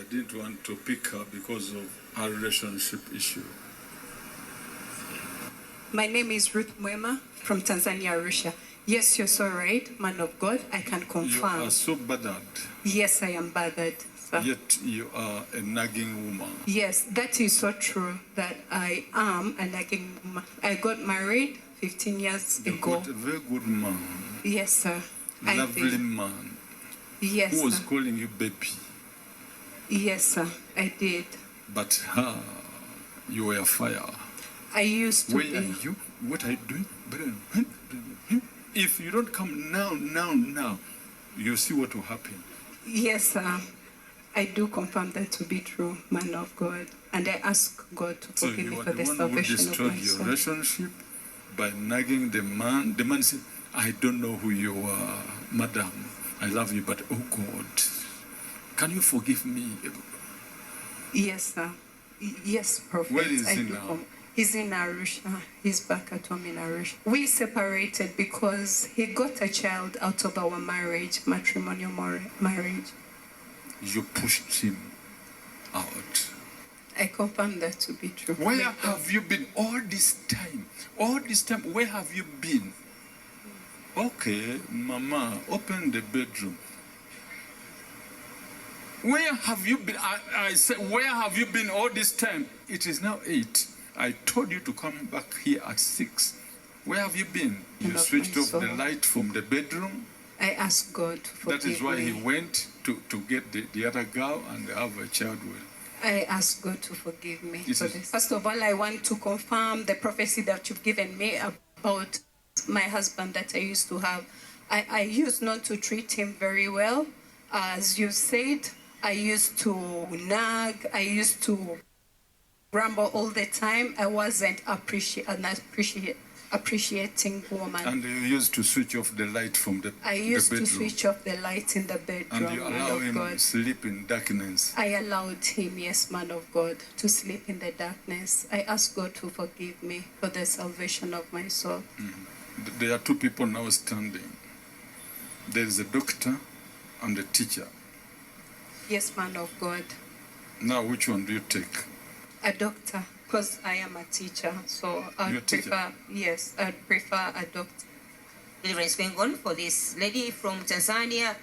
I didn't want to pick her because of our relationship issue. My name is Ruth Mwema from Tanzania, Arusha. Yes, you're so right, man of God. I can You confirm. are so bothered, Yes, I am bothered, sir. yet you are a nagging woman. Yes, that is so true that I am a nagging woman. I got married 15 years You ago. got a very good man, Yes, sir. I lovely did. man, Yes, who was sir. calling you baby. Yes, sir. I did. But her, you were fire. I used to Where be. are you? What are you doing? If you don't come now, you see what will happen. Yes, sir. I do confirm that to be true, man of God. And I ask God to So forgive you me are for the the one who salvation of destroyed my your soul. relationship by nagging the man. The man said, I don't know who you are, madam. I love you, but oh God, can you forgive me? Yes, sir. Yes, prophet. Where is I he do now? He's in Arusha. He's back at home in Arusha. We separated because he got a child out of our marriage, matrimonial marriage. You pushed him out. I confirm that to be true. Where have you been all this time? All this time, where have you been? Okay, Mama, open the bedroom. Where have you been? I said, where have you been all this time? It is now 8. I told you to come back here at 6. Where have you been? You Love switched my off the soul. light from the bedroom. I ask God to forgive That is why me. he went to get the other girl and have a child with. I ask God to forgive me This for is- this. First of all, I want to confirm the prophecy that you've given me about my husband that I used to have. I used not to treat him very well. As you said, I used to nag. I used to grumble all the time. I wasn't appreciating woman. And you used to switch off the light from the I used bedroom. to switch off the light in the bedroom, And you man allow of him God. sleep in darkness. I allowed him, yes, man of God, to sleep in the darkness. I ask God to forgive me for the salvation of my soul. There are two people now standing. There is a doctor and a teacher. Yes, man of God. Now, which one do you take? A doctor, because I am a teacher, so You're a I'd teacher? prefer, yes, I'd prefer a doctor. Deliverance going on for this lady from Tanzania.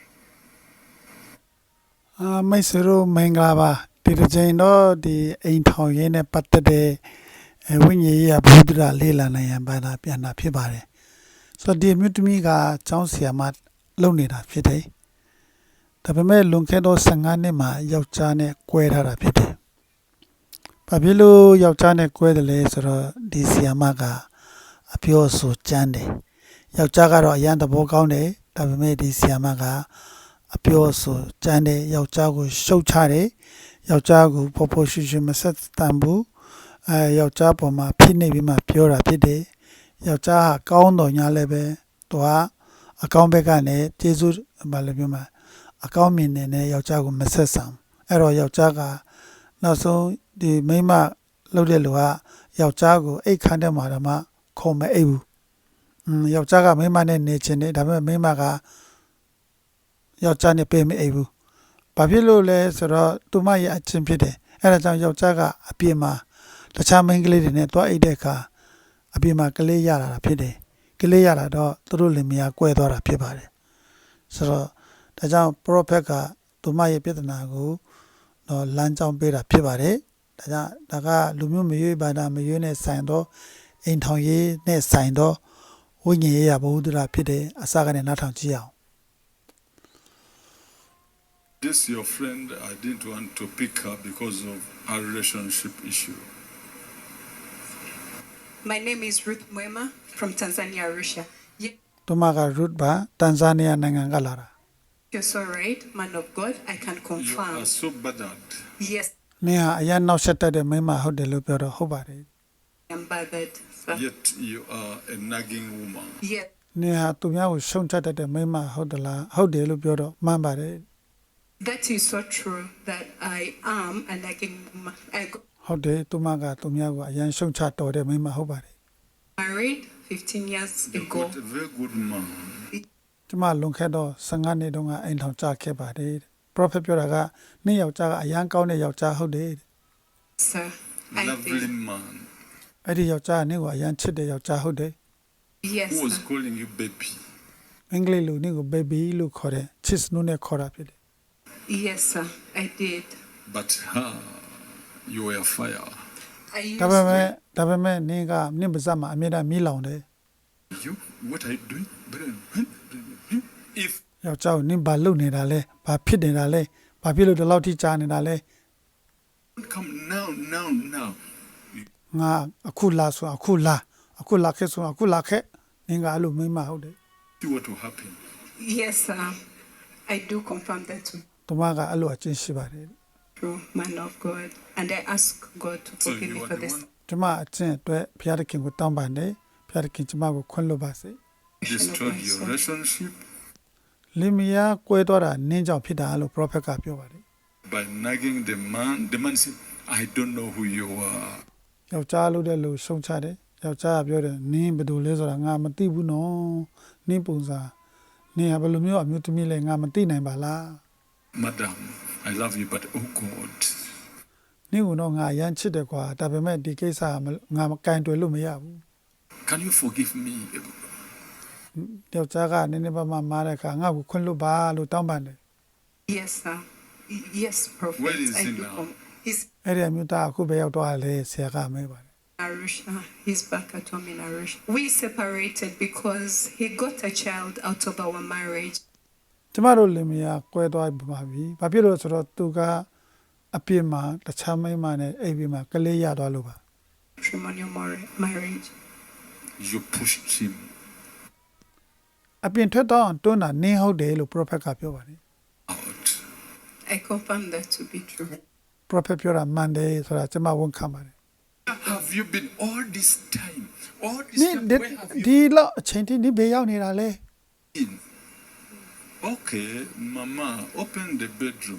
မိတ်ဆွေတို့မင်္ဂလာပါဒီတစ်ချိန်တော့ဒီအိမ်ထောင်ရေးနဲ့ပတ်သက်တဲ့ဝိညာဉ်ရေးဘုဒ္ဓရာလေးလာနိုင်ရန်ပါတာပြန်တာဖြစ်ပါတယ်ဆိုတော့ဒီအမျိုးသမီးကကျောင်းဆရာမလုပ်နေတာဖြစ်တယ်ဒါပေမဲ့လွန်ခဲ့တော့15နှစ်မှာယောက်ျားနဲ့꿰ထားတာဖြစ်တယ်ဘာဖြစ်လို့ယောက်ျားနဲ့꿰တယ်လဲဆိုတော့ဒီဆရာမကအပြောဆိုကြမ်းတယ်ယောက်ျားကတော့အရန်သဘောကောင်းတယ်ဒါပေမဲ့ဒီဆရာမကအပြောဆိုကြမ်းတယ်ယောက်ျားကိုရှုတ်ချတယ်ယောက်ျားကိုဖော်ဖော်ရွှင်ရွှင်မဆက်တန်ဘူးယောက်ျားပေါ်မှာဖိနှိပ်ပြီးမှပြောတာဖြစ်တယ်ယောက်ျားဟာကောင်းတော်ညာလည်းပဲသူကအကောင်းဘက်ကနေကျေးဇူးဘာလို့ပြောမှာအကောင်းမြင်နေတဲ့ယောက်ျားကိုမဆက်ဆံအဲ့တော့ယောက်ျားကနောက်ဆုံးဒီမိန်းမလှုပ်တဲ့လူကယောက်ျားကိုအိတ်ခမ်းတဲ့မှာတော့မှခုံမအိတ်ဘူးယောက်ျားကမိန်းမနဲ့နေချင်တယ်ဒါပေမဲ့မိန်းမကယောက်ျားနဲ့ပေးမအိပ်ဘူး။ဘာဖြစ်လို့လဲဆိုတော့သူမရဲ့အချင်းဖြစ်တယ်။အဲဒါကြောင့်ယောက်ျားကအပြစ်မှာတခြားမိန်းကလေးတွေနဲ့တွားအိပ်တဲ့အခါအပြစ်မှာကလေးရလာတာဖြစ်တယ်။ကလေးရလာတော့သူတို့လင်မယား꿰သွားတာဖြစ်ပါတယ်။ဆိုတော့ဒါကြောင့် prophet ကသူမရဲ့ပြဿနာကိုတော့လမ်းကြောင်းပေးတာဖြစ်ပါတယ်။ဒါကြောင့်ဒါကလူမျိုးမရွေးဘာသာမရွေးနဲ့ဆိုင်တော့အိမ်ထောင်ရေးနဲ့ဆိုင်တော့ဝိညာဉ်ရေးရဘုဒ္ဓရာဖြစ်တယ်အစကနေနားထောင်ကြည့်အောင် This your friend, I didn't want to pick her because of our relationship issue. My name is Ruth Mwema from Tanzania, Arusha. Yes, သူမက root ပါတန်ဇာနီးယားနိုင်ငံကလာတာ you're so right, man of God. I can You confirm. are so bothered. Yes, နင်ဟာအရင်နောက်ဆက်တက်တဲ့မိန်းမဟုတ်တယ်လို့ပြောတော့ဟုတ်ပါတယ် I am bothered, sir. Yet you are a nagging woman. Yes, နင်ဟာသူများကိုရှုံချတတ်တဲ့မိန်းမဟုတ်တယ်လားဟုတ်တယ်လို့ပြောတော့မှန်ပါတယ် that is so true that I am a nagging woman. I got ဟုတ်တယ်သူမကသူများကိုအရင်ရှုံချတော်တဲ့မိန်းမဟုတ်ပါတယ် married 15 years You ago. got a very good man. ကျမလွန်ခဲ့တော့15နှစ်တုန်းကအိမ်ထောင်ကြခဲ့ပါတယ် prophet ပြောတာကနင့်ယောက်ျားကအရန်ကောင်းတဲ့ယောက်ျားဟုတ်တယ် Sir, I Lovely did. man. အဲ့ဒီယောက်ျားကနင့်ကိုအရန်ချစ်တဲ့ယောက်ျားဟုတ်တယ် Yes, Who was sir. calling you baby? အင်္ဂလိပ်လိုနင့်ကို baby လို့ခေါ်တယ် chis နုနဲ့ခေါ်တာဖြစ်တယ် Yes, sir. I did. But her, you were fire. I used ဒါပေမဲ့နင်ကနင့်ပါဇက်မှာအမြဲတမ်းမီးလောင်တယ် You? What are you doing? If ယောက်ျားကိုနင်ဘာလုပ်နေတာလဲဘာဖြစ်နေတာလဲဘာဖြစ်လို့ဒီလောက်ထိကြားနေတာလဲ come now, ငါအခုလာဆိုအခုလာခဲ့ဆိုအခုလာခဲ့နင်ကအဲ့လိုမိမဟုတ်တယ် see what will happen. yes, sir. I do confirm that to တမကအဲ့လိုအချင်းရှိပါတယ် true man of God, and I ask God to So forgive you me are for the this. one ကျမအချင်းအတွက်ဘုရားသခင်ကိုတောင်းပန်တယ်ဘုရားသခင်ကျမကိုခွင့်လွှတ်ပါစေ who destroyed your relationship လင်မယားကွဲသွားတာနင်းကြောင့်ဖြစ်တာလို့ prophet ကပြောပါတယ် by nagging the man. The man said, I don't know who you are. ယောက်ျားလို့တဲ့လူရှုံချတယ်ယောက်ျားကပြောတယ်နင်းဘယ်လိုလဲဆိုတာငါမသိဘူးနော်နင်းပုံစံနင်းကဘယ်လိုမျိုးအမျိုးသမီးလဲငါမသိနိုင်ပါလား Madam, I love you, but oh God. နင်းကတော့ငါအရန်ချစ်တယ်ကွာဒါပေမဲ့ဒီကိစ္စကငါမကင်တွယ်လို့မရဘူး Can you forgive me? ယောက်ျားကနည်းနည်းပါးပါးမားတဲ့အခါငါ့ကိုခွင့်လွှတ်ပါလို့တောင်းပန်တယ် Yes, sir. Yes, prophet. Where is I he do. now? He's အဲ့ဒီအမျိုးသားအခုပဲရောက်သွားတယ်ဆရာကမဲပါတယ် Arusha. He's back at home in Arusha. We separated because he got a child out of our marriage. ကျမတို့လင်မယားကွဲသွားပါပြီဘာဖြစ်လို့ဆိုတော့သူကအပြစ်မှာတခြားမိန်းမနဲ့အိပ်ပြီးမှကလေးရသွားလို့ပါ Matrimonial marriage. You pushed him. အပြင်ထွက်တော့တွန်းတာနင်းဟုတ်တယ်လို့ prophet ကပြောပါတယ် Out. I confirm that to be true. prophet ပြောတာမှန်တယ်ဆိုတာကျမဝန်ခံပါတယ် Where have you been all this time? All this နင်း time, where have you ဒီလောက်အချိန်ထိနင်းဘေးရောက်နေတာလဲ been? Okay, Mama, open the bedroom.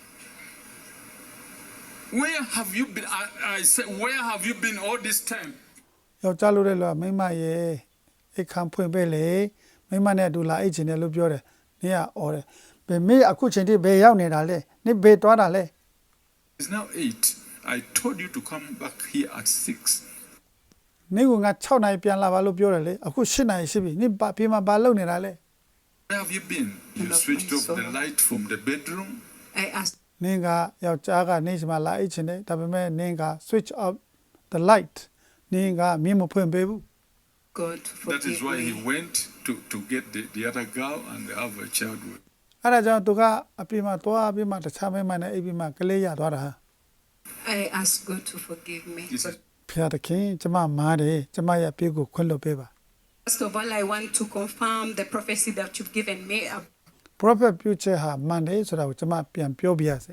Where have you been? I said, where have you been all this time? ယောက်ျားလို့တဲ့လူကမိန်းမရဲ့အိတ်ခံဖွင့်ပေးလေမိန်းမနဲ့အတူလာအိတ်ချင်တယ်လို့ပြောတယ်နင်းကအော်တယ်ဘယ်မေးအခုချိန်ထိဘေးရောက်နေတာလဲနင်းဘေးသွားတာလဲ It's now 8. I told you to come back here at 6. နင်းကငါ6နိုင်ပြန်လာပါလို့ပြောတယ်လေအခု7နိုင်ရှိပြီနင်းဘာပြေမှာဘာလုပ်နေတာလဲ Where have you been? You Love switched my off the soul. light from the bedroom. I asked နင်းကယောက်ျားကနေစမှာလာအိတ်ချင်တယ်ဒါပေမဲ့နင်းက switch off the light နင်းကမြင်မဖွင့်ပေးဘူး God to That is forgive why he me. went to get the other girl and have a child with. အဲ့ဒါကြောင့်သူကအပြင်မှာသွားပြီးမှတခြားမိန်းမနဲ့အိပ်ပြီးမှကလေးရသွားတာ I asked God to forgive me. This But is ဖျားသခင်ကျမမားတယ်ကျမရဲ့အပြစ်ကိုခွင့်လွှတ်ပေးပါ first of all, I want to confirm the prophecy that you've given me about prophet ပြုချက်ဟာမှန်တယ်ဆိုတာကိုကျမပြန်ပြောပြရစေ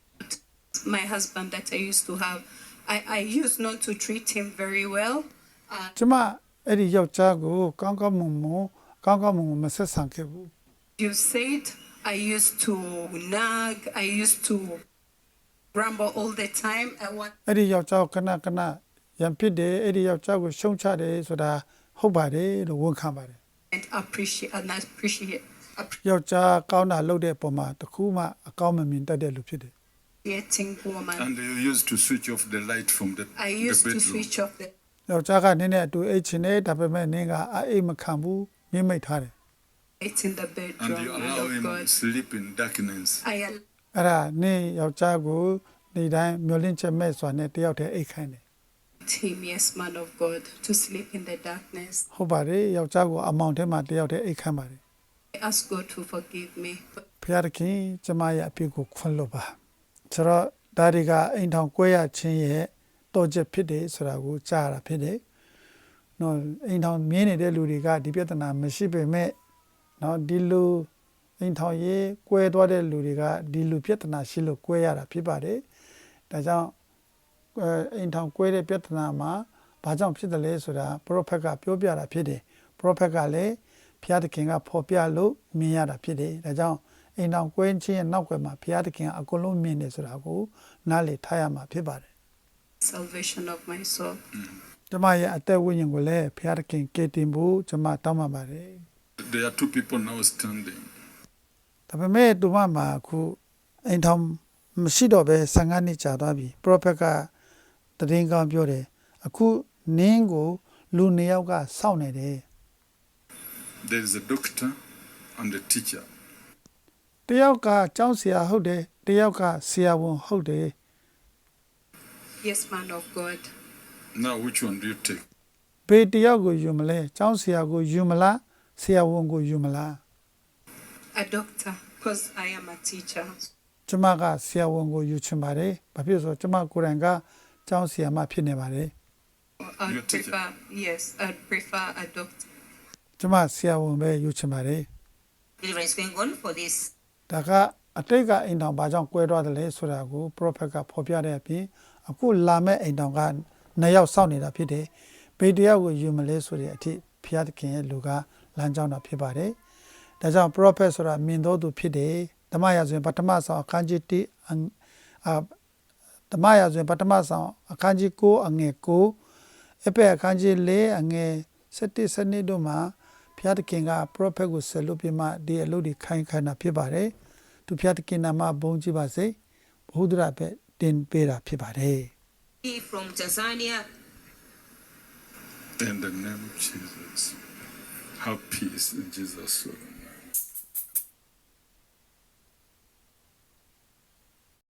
my husband that I used to have. I used not to treat him very well. ကျမအဲ့ဒီယောက်ျားကိုကောင်းကောင်းမွန်မွန်မဆက်ဆံခဲ့ဘူး You said I used to nag. I used to grumble all the time. I want အဲ့ဒီယောက်ျားကိုခဏရံဖြစ်တယ်အဲ့ဒီယောက်ျားကိုရှုံချတယ်ဆိုတာဟုတ်ပါတယ်လို့ဝန်ခံပါတယ် and appreciate ယောက်ျားကောင်းတာလုပ်တဲ့အပေါ်မှာတခုမှအကောင်းမမြင်တတ်တဲ့လူဖြစ်တယ် appreciating woman. and you used to switch off the light from the I used to bedroom. switch off the ယောက်ျားကနင်းနဲ့အတူအိတ်ချင်တယ်ဒါပေမဲ့နင်းကအိတ်မခံဘူးမြင့်မိတ်ထားတယ် lights in the And bedroom. you Man allow of him God. to sleep in darkness. I အဲ့ဒါနင်းယောက်ျားကိုဒီတိုင်းမျောလင့်ချက်မဲ့စွာနဲ့တယောက်တည်းအိတ်ခိုင်းတယ် allowed him, yes, man of God, to sleep in the darkness. ဟုတ်ပါတယ်ယောက်ျားကိုအမောင်ထဲမှာတယောက်တည်းအိတ်ခိုင်းပါတယ် I ask God to forgive me. But ဖျားသခင်ကျမရဲ့အပြစ်ကိုခွင့်လွှတ်ပါဆိုတော့ဒါတွေကအိမ်ထောင်ကွဲရခြင်းရဲ့တော့ချက်ဖြစ်တယ်ဆိုတာကိုကြားရတာဖြစ်တယ်နော်အိမ်ထောင်မြင်နေတဲ့လူတွေကဒီပြဿနာမရှိပေမဲ့နော်ဒီလူအိမ်ထောင်ရေးကွဲသွားတဲ့လူတွေကဒီလူပြဿနာရှိလို့ကွဲရတာဖြစ်ပါတယ်ဒါကြောင့်အိမ်ထောင်ကွဲတဲ့ပြဿနာမှာဘာကြောင့်ဖြစ်တယ်လဲဆိုတာ prophet ကပြောပြတာဖြစ်တယ် prophet ကလည်းဘုရားသခင်ကဖော်ပြလို့မြင်ရတာဖြစ်တယ်ဒါကြောင့်အိမ်ထောင်ကွဲခြင်းရဲ့နောက်ွယ်မှာဘုရားသခင်ကအကုန်လုံးမြင်တယ်ဆိုတာကိုနားလည်ထားရမှာဖြစ်ပါတယ် salvation of my soul. ကျမရဲ့အသက်ဝိညာဉ်ကိုလည်းဘုရားသခင်ကယ်တင်ဖို့ကျမတောင်းပန်ပါတယ် There are two people now standing. ဒါပေမဲ့သူမမှာအခုအိမ်ထောင်မရှိတော့ပဲ15နှစ်ကြာသွားပြီ prophet ကတရင်ကောင်းပြောတယ်အခုနင်းကိုလူ2ယောက်ကစောင့်နေတယ် There is a doctor and a teacher. တယောက်ကကျောင်းဆရာဟုတ်တယ်တယောက်ကဆရာဝန်ဟုတ်တယ် Yes, man of God. Now, which one do you take? ဘေးတယောက်ကိုယူမလဲကျောင်းဆရာကိုယူမလားဆရာဝန်ကိုယူမလား A doctor, because I am a teacher. ကျမကဆရာဝန်ကိုယူချင်ပါတယ်ဘာဖြစ်လို့ဆိုကျမကိုယ်တိုင်ကကျောင်းဆရာမဖြစ်နေပါတယ် I'd Your teacher. prefer, yes, I'd prefer a doctor. ကျမဆရာဝန်ပဲယူချင်ပါတယ် Deliverance going on for this ဒါကအတိတ်ကအိမ်တောင်ဘာကြောင့်ကွဲသွားတယ်လဲဆိုတာကို prophet ကဖော်ပြတဲ့အပြင်အခုလာမဲ့အိမ်တောင်က2ယောက်စောင့်နေတာဖြစ်တယ်ဘေးတယောက်ကိုယူမလဲဆိုတဲ့အထိဖျားသခင်ရဲ့လူကလမ်းကြောင်းတာဖြစ်ပါတယ်ဒါကြောင့် prophet ဆိုတာမြင်တော်သူဖြစ်တယ်ဓမ္မရာဇဝင်ပထမဆောင်အခန်းကြီး1ဓမ္မရာဇဝင်ပထမဆောင်အခန်းကြီး9အငယ်9အပက်အခန်းကြီး4အငယ်7 7တို့မှာဖျားသခင်က prophet ကိုဆက်လုပ်ပြီးမှဒီအလုပ်တွေခိုင်းတာဖြစ်ပါတယ်သူဖျားသခင်နာမဘုန်းကြီးပါစေဘုဒ္ဓရာပဲတင်ပေးတာဖြစ်ပါတယ် from Tanzania. In the name of Jesus. Have peace in Jesus' name.